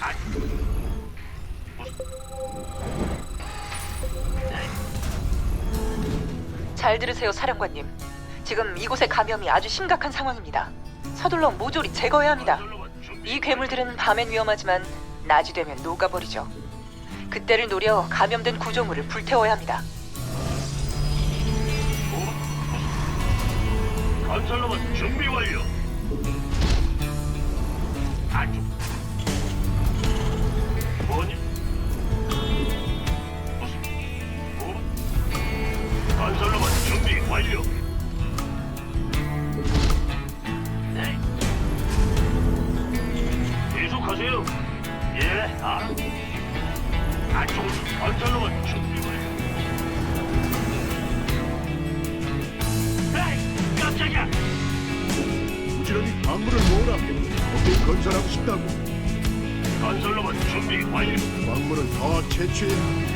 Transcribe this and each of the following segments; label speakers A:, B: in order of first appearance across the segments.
A: 잘 들으세요, 사령관님. 지금 이곳의 감염이 아주 심각한 상황입니다. 서둘러 모조리 제거해야 합니다. 이 괴물들은 밤엔 위험하지만 낮이 되면 녹아버리죠. 그때를 노려 감염된 구조물을 불태워야 합니다.
B: 건설로봇 준비 완료. 안쪽. 뭐니? 무슨? 뭐? 건설로봇 준비 완료. 네. 계속하세요. 예, 안쪽. 건설로봇 준비 완료. 에이, 깜짝이야.
C: 부지런히 광물을 모으라. 거기 건설하고 싶다고.
B: 건설로봇 준비 완료.
C: 광물을 더 채취해야 한다.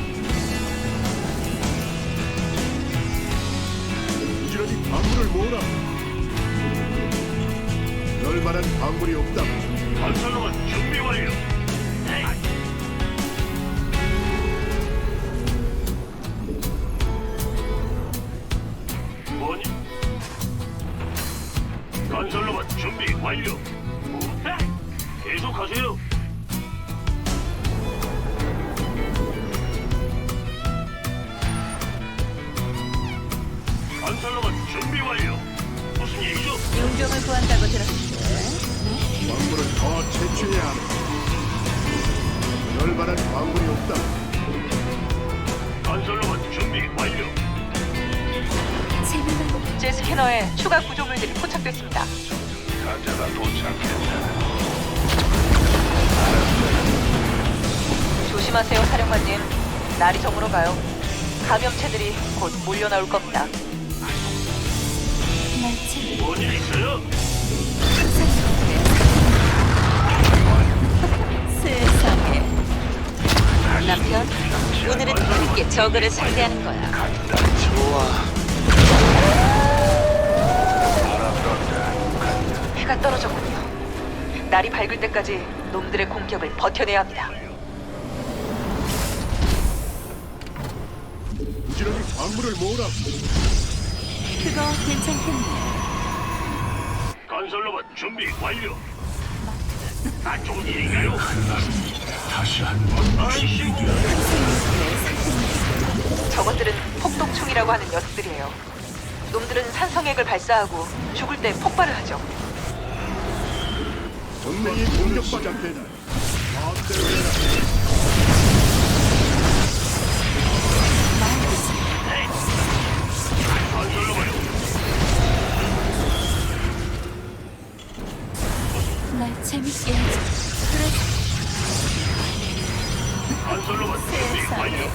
C: 부지런히 광물을 모으라. 그럴 만한 광물이 없다.
B: 건설로봇 준비 완료. 네. 뭐니? 건설로봇 준비 완료. 네. 계속하세요. 건설로봇 준비 완료. 무슨 일이죠?
A: 용병을 구한다고 들었는데.
C: 광물을 더 채취해야 한다. 그럴 만한 광물이 없다.
B: 건설로봇 준비 완료.
A: 제 스캐너에 추가 구조물들이 포착됐습니다.
B: 가자가 도착했다.
A: 조심하세요, 사령관님. 날이 저물어 가요. 감염체들이 곧 몰려나올 겁니다.
B: 뭔일 있어요?
D: 세상에. 남편, 오늘은 함께 저그를 상대하는 거야.
A: 해가 떨어졌군요. 날이 밝을 때까지 놈들의 공격을 버텨내야 합니다.
C: 부지런히 광물을 모으라.
D: 그거 괜찮겠네.
B: 건설로봇 준비 완료. 안 좋은 일인가요?
C: 다시 한번
B: 아이씨.
A: 저것들은 폭독충이라고 하는 녀석들이에요. 놈들은 산성액을 발사하고 죽을 때 폭발을 하죠.
C: 동맹이 공격받지 않겠다. 마음대로 해라.
B: 건설로봇
D: 날 재밌게 해줘. 그래,
B: 건설로봇 준비 완료.
D: 세상에.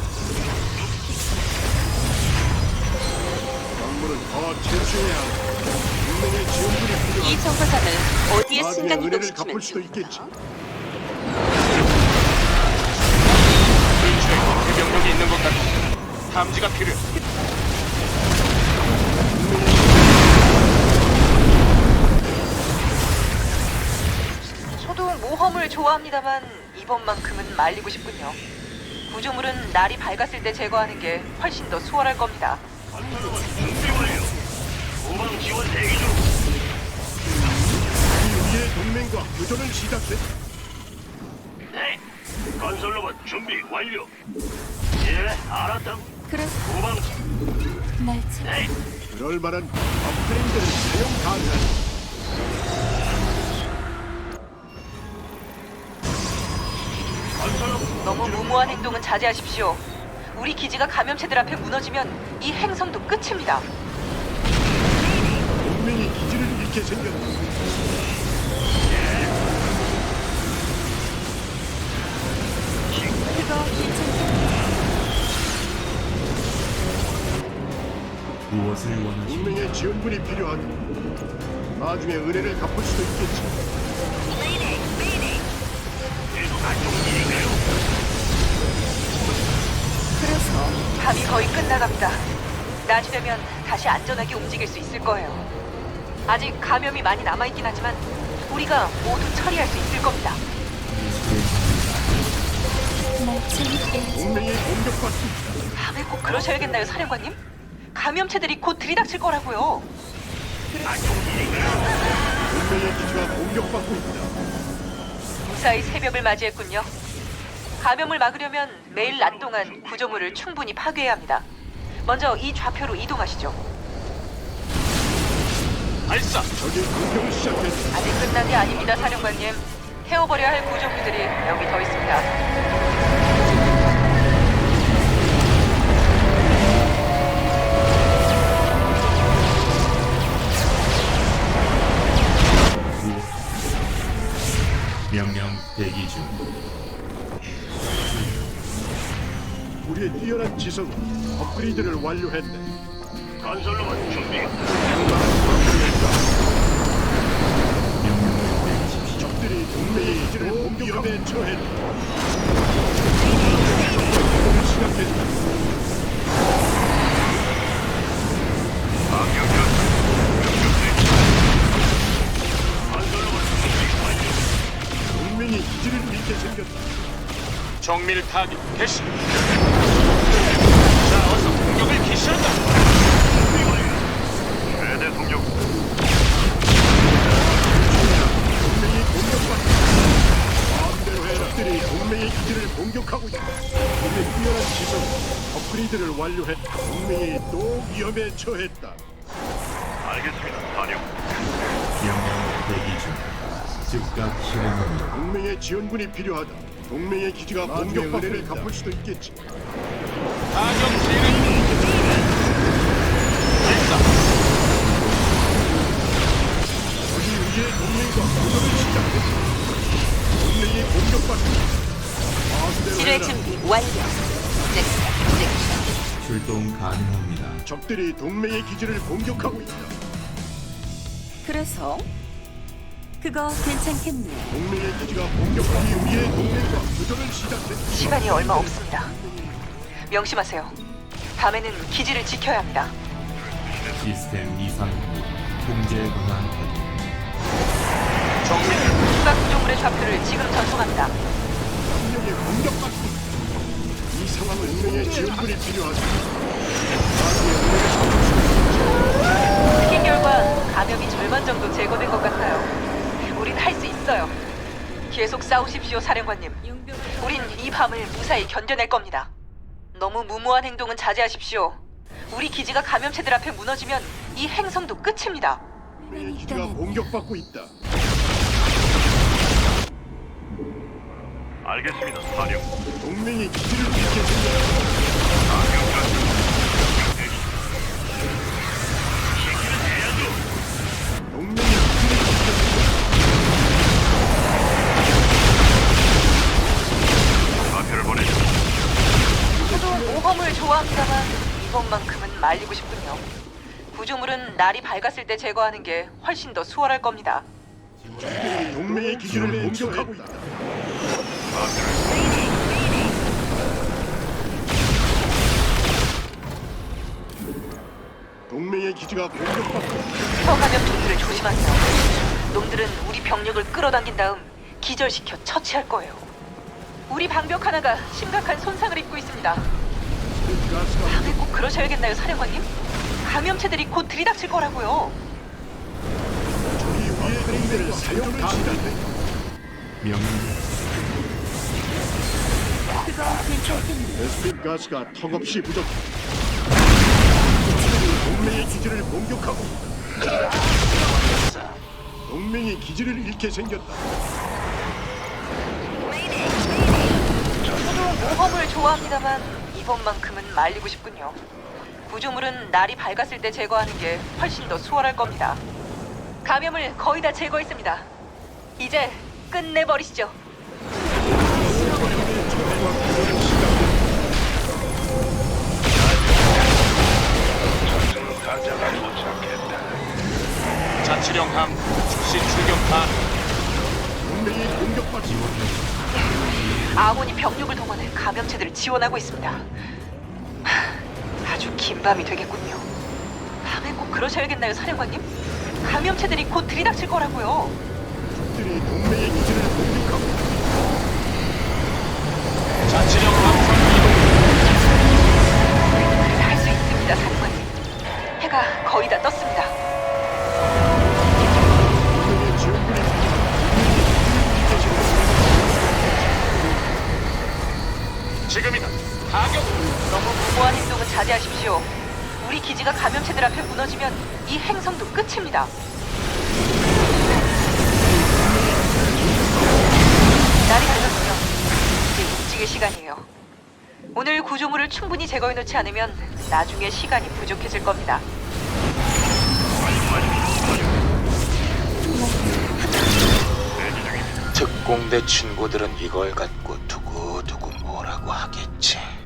C: 광물을 더 채취해야 한다. 동맹의 지원군이 필요하다.
D: 이 정거장을 어디에
C: 나중에
D: 순간
C: 은혜를
D: 이동시키면
C: 갚을 수도 있겠지.
E: 근처에 대병력이 있는 것 같아. 탐지가 필요해.
A: 저도 모험을 좋아합니다만 이번만큼은 말리고 싶군요. 구조물은 날이 밝았을 때 제거하는 게 훨씬 더 수월할 겁니다.
B: 건설로봇 준비 완료. 후방 지원 대기 중.
C: 이 우리의 동맹과 교전을 시작했다.
B: 네. 건설로봇 준비 완료. 예, 알았다.
D: 그래,
B: 후방
D: 날 재.
B: 네.
C: 그럴 만한 업그레이드를 사용 가능하다.
B: 건설로봇
A: 너무 무모한 행동은 자제하십시오. 우리 기지가 감염체들 앞에 무너지면 이 행성도 끝입니다.
C: 동맹이 기지를 잃게 생겼다.
D: 그거 괜찮겠네.
F: 무엇을 원하시는
C: 동맹의 지원군이 필요하다. 나중에 은혜를 갚을 수도 있겠지.
B: 계속 안 좋은 일인가요?
D: 그래서
A: 밤이 거의 끝나갑니다. 낮이 되면 다시 안전하게 움직일 수 있을 거예요. 아직 감염이 많이 남아있긴 하지만 우리가 모두 처리할 수 있을 겁니다.
D: 날 재밌게 해줘.
C: 동맹이 공격받고 있다.
A: 밤에 꼭 그러셔야겠나요, 사령관님? 감염체들이 곧 들이닥칠 거라고요.
C: 동맹의 기지가 공격받고 있다.
A: 무사히 새벽을 맞이했군요. 감염을 막으려면 매일 낮 동안 구조물을 충분히 파괴해야 합니다. 먼저 이 좌표로 이동하시죠.
E: 발사.
C: 적이 공격을 시작했다.
A: 아직 끝난 게 아닙니다, 사령관님. 태워버려야 할 구조물들이 여기 더 있습니다.
F: 명령 대기 중.
C: 우리의 뛰어난 지성은 업그레이드를 완료했네.
B: 건설로만 준비.
F: 명령을 내리십시오.
C: 적들이 동맹의 기지를 공격함에 처했다. 적과 이동을 시작했다. 동맹이 기지를 잃게 생겼다.
E: 정밀 타격 개시. 자, 어서 공격을 개시한다.
B: 최대 속력.
C: 동맹이 공격받고 있다. 마음대로 해라. 적들이 동맹의 기지를 공격하고 있다. 우리의 뛰어난 지성은 업그레이드를 완료했다. 동맹이 또 위험에 처했다.
B: 알겠습니다. 사령.
F: 명령 대기 중. 즉각 실행합니다.
C: 동맹의 지원군이 필요하다. 동맹의 기지가 공격받고 은혜를 갚을 수도 있겠지.
E: 타격 진행. 발사.
C: 우리 우리의 동맹과 교전을 시작했다. 동맹이 공격받고 있다. 마음대로
D: 지뢰
C: 해라.
D: 준비 완료.
F: 출동 가능합니다.
C: 적들이 동맹의 기지를 공격하고 있다.
D: 그래서 그거 괜찮겠네.
C: 동맹의 기지가 공격하기 우리의 동맹과 교전을 시작했다.
A: 시간이 얼마 없습니다. 명심하세요. 밤에는 기지를 지켜야 합니다.
F: 시스템 이상 후 통제 권한 확인.
E: 정밀.
A: 추가 구조물의 좌표를 지금 전송합니다.
C: 동맹이 공격받고 있다. 이 상황은 동맹의 지원군이 필요하다.
A: 스킨 결과 감염이 절반 정도 제거된 것 같아요. 우린 할 수 있어요. 계속 싸우십시오, 사령관님. 우린 이 밤을 무사히 견뎌낼 겁니다. 너무 무모한 행동은 자제하십시오. 우리 기지가 감염체들 앞에 무너지면 이 행성도 끝입니다.
C: 동맹의 기지가 공격받고 있다.
B: 알겠습니다. 사령.
C: 동맹이 기지를 잃게 생겼다. 동맹이 기지를 잃게 생겼다.
B: 좌표를 보내죠.
A: 저도 모험을 좋아합니다만 이번만큼은 말리고 싶군요. 구조물은 날이 밝았을 때 제거하는 게 훨씬 더 수월할 겁니다.
C: 동맹의 기지를 공격하고 있다. 동맹의 기지가 공격받고 있다.
A: 혀감염충들을 조심하세요. 놈들은 우리 병력을 끌어당긴 다음 기절시켜 처치할 거예요. 우리 방벽 하나가 심각한 손상을 입고 있습니다.
C: 가스가
A: 밤에 꼭 그러셔야겠나요, 사령관님? 감염체들이 곧 들이닥칠 거라고요.
C: 우리 위의 동맹을 사용합니다.
F: 명령
D: 그거 괜찮겠네.
C: 베스핀 가스가 턱없이 부족해. 동맹의 기지를 공격하고 있다. 동맹이 기지를 잃게 생겼다.
A: 저도 모험을 좋아합니다만 이번만큼은 말리고 싶군요. 구조물은 날이 밝았을 때 제거하는 게 훨씬 더 수월할 겁니다. 감염을 거의 다 제거했습니다. 이제 끝내버리시죠.
E: 자치령 함 즉시 출격한.
C: 동맹이 공격받고 있다.
A: 아몬이 병력을 동원해 감염체들을 지원하고 있습니다. 아주 긴 밤이 되겠군요. 밤에 꼭 그러셔야겠나요, 사령관님? 감염체들이 곧 들이닥칠 거라고요.
C: 들이 동맹의 기지를 공격하고 있다.
A: 자제하십시오. 우리 기지가 감염체들 앞에 무너지면 이 행성도 끝입니다. 날이 밝았군요. 이제 움직일 시간이에요. 오늘 구조물을 충분히 제거해놓지 않으면 나중에 시간이 부족해질 겁니다.
G: 특공대 친구들은 이걸 갖고 두고두고 뭐라고 하겠지.